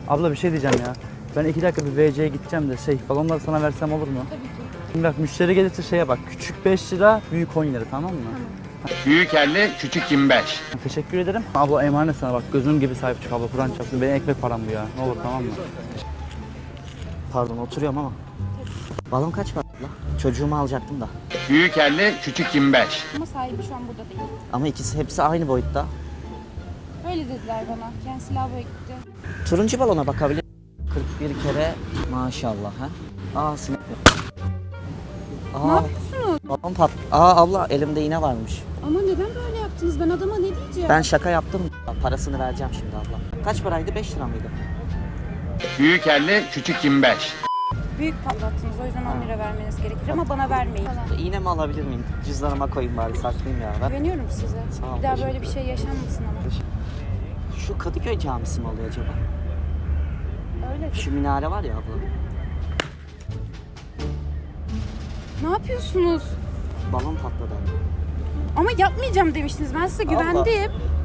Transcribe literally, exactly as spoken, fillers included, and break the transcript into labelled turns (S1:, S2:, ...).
S1: Abla bir şey diyeceğim ya. Ben iki dakika bir V C'ye gideceğim de şey balonları sana versem olur mu?
S2: Tabii ki.
S1: Şimdi bak müşteri gelirse şeye bak. Küçük beş lira, büyük on lira, tamam mı?
S2: Tamam.
S3: Büyük elli, küçük yirmi beş.
S1: Teşekkür ederim. Abla emanet sana bak. Gözüm gibi sahip çık abla. Kur'an çarpsın. Benim ekmek param bu ya. Ne olur, tamam mı?
S4: Pardon, oturuyorum ama. Balon kaç var la? Çocuğumu alacaktım da.
S3: Büyük elli, küçük yirmi beş.
S2: Ama sahibi şu an burada değil.
S4: Ama ikisi hepsi aynı boyutta.
S2: Öyle dediler bana. Kendisi lavaboya gitti.
S4: Turuncu balona bakabilir. kırk bir kere maşallah ha. Aa sinek yok.
S2: Ne
S4: Aa
S2: yapıyorsunuz?
S4: balon pat. Aa abla elimde iğne varmış.
S2: Ama neden böyle yaptınız? Ben adama ne diyeceğim?
S4: Ben şaka yaptım. Parasını vereceğim şimdi abla. Kaç paraydı? beş lira mıydı?
S3: Büyük elli, küçük yirmi beş.
S2: Büyük patlattınız. O yüzden on lira vermeniz gerekir ama bana vermeyin.
S4: İğne mi alabilir miyim? Cüzdanıma koyayım bari, saklayayım ya. Ben...
S2: Güveniyorum size.
S4: Sağ ol,
S2: Bir daha
S4: teşekkür
S2: böyle bir şey yaşanmasın ama.
S4: Şu Kadıköy camisi mi oluyor acaba?
S2: Öyle.
S4: Şu minare var ya abla.
S2: Ne yapıyorsunuz?
S4: Balon patladı.
S2: Ama yapmayacağım demiştiniz. Ben size
S4: Allah.
S2: güvendim.